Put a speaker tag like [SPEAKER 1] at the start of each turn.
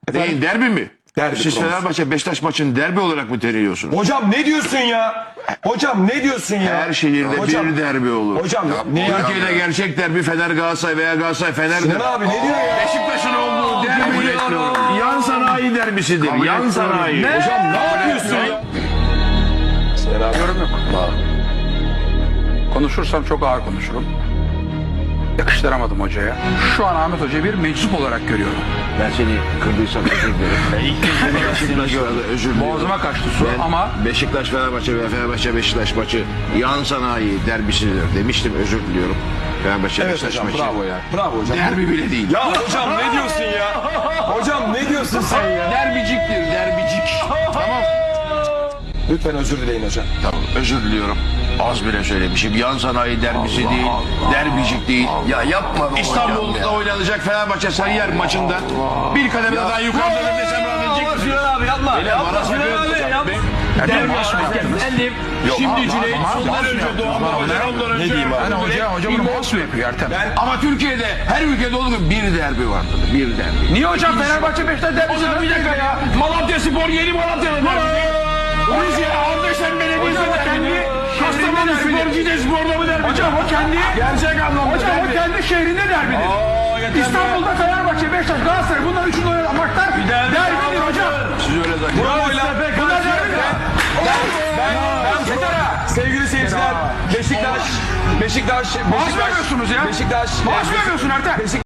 [SPEAKER 1] Neyin, derbi mi?
[SPEAKER 2] Derbi
[SPEAKER 1] Siz
[SPEAKER 2] konusu.
[SPEAKER 1] Fenerbahçe Beşiktaş maçını derbi olarak mı teriyorsunuz?
[SPEAKER 2] Hocam ne diyorsun ya? Hocam ne diyorsun ya?
[SPEAKER 1] Her şehirde
[SPEAKER 2] Hocam,
[SPEAKER 1] bir derbi olur.
[SPEAKER 2] Hocam ne ya?
[SPEAKER 1] Türkiye'de gerçek derbi Fener Galatasaray veya Galatasaray Fener'dir.
[SPEAKER 2] Sinan abi ne diyor ya?
[SPEAKER 1] Beşiktaş'ın olduğu derbi yan sanayi derbisidir. Yan sanayi.
[SPEAKER 2] Hocam ne yapıyorsun ya? Sinan abi.
[SPEAKER 3] Yorum yok. Konuşursam çok ağır konuşurum. Yakıştıramadım hocaya. Şu an Ahmet Hoca'yı bir meczup olarak görüyorum.
[SPEAKER 1] Ben seni kırdıysam özür dilerim. Özür dilerim.
[SPEAKER 3] Boğazıma kaçtı su ama
[SPEAKER 1] Beşiktaş Fenerbahçe ve Fenerbahçe Beşiktaş maçı yan sanayi derbisidir demiştim, özür diliyorum. Fenerbahçe
[SPEAKER 2] Evet
[SPEAKER 1] Beşiktaş
[SPEAKER 2] hocam
[SPEAKER 1] maçı.
[SPEAKER 2] bravo ya. Bravo hocam.
[SPEAKER 1] Derbi bile değil.
[SPEAKER 2] Ya hocam ne diyorsun ya? Hocam ne diyorsun sen ya?
[SPEAKER 1] Derbiciktir, derbicik. Tamam.
[SPEAKER 2] Lütfen özür dileyin hocam.
[SPEAKER 1] Tamam, özür diliyorum. Az bile söylemişim. Yan sanayi derbisi değil, derbicik değil.
[SPEAKER 4] Ya yapma be
[SPEAKER 1] İstanbul'da oynanacak Fenerbahçe Sarıyer maçında bir kademe daha yukarıda desem rahatlayacak mısınız?
[SPEAKER 4] abi yapma. Yapma Sinan abi yapma.
[SPEAKER 1] Şimdi Cüneyt ondan önce Doğan Babacan ondan önce.
[SPEAKER 2] Ne diyeyim abi?
[SPEAKER 3] yani hoca bunu pas mı yapıyor Ertem?
[SPEAKER 1] Ama Türkiye'de her ülkede olduğu gibi bir derbi vardır. Bir derbi.
[SPEAKER 3] Niye hocam Fenerbahçe Beşiktaş derbisi?
[SPEAKER 1] Hocam bir dakika ya. Malatya Spor yeni Malatya'da derbi. Rusya Ardeşen Belediyesi derbi. Kastamonu Spor Cide Spor'da mı derbi?
[SPEAKER 3] Hocam o kendi
[SPEAKER 1] Gerçek anlamda
[SPEAKER 3] hocam o
[SPEAKER 1] derbi.
[SPEAKER 3] kendi şehrinde derbidir. İstanbul'da Fenerbahçe, Beşiktaş, Galatasaray bunlar üçünün oynanan maçlar derbidir hocam.
[SPEAKER 1] Siz öyle zannediyorsunuz.
[SPEAKER 2] Bravo
[SPEAKER 3] Bunlar derbidir.
[SPEAKER 2] Sevgili seyirciler, Beşiktaş,
[SPEAKER 3] Maaş vermiyorsunuz ya.
[SPEAKER 2] Beşiktaş,
[SPEAKER 3] Maaş vermiyorsun Ertem.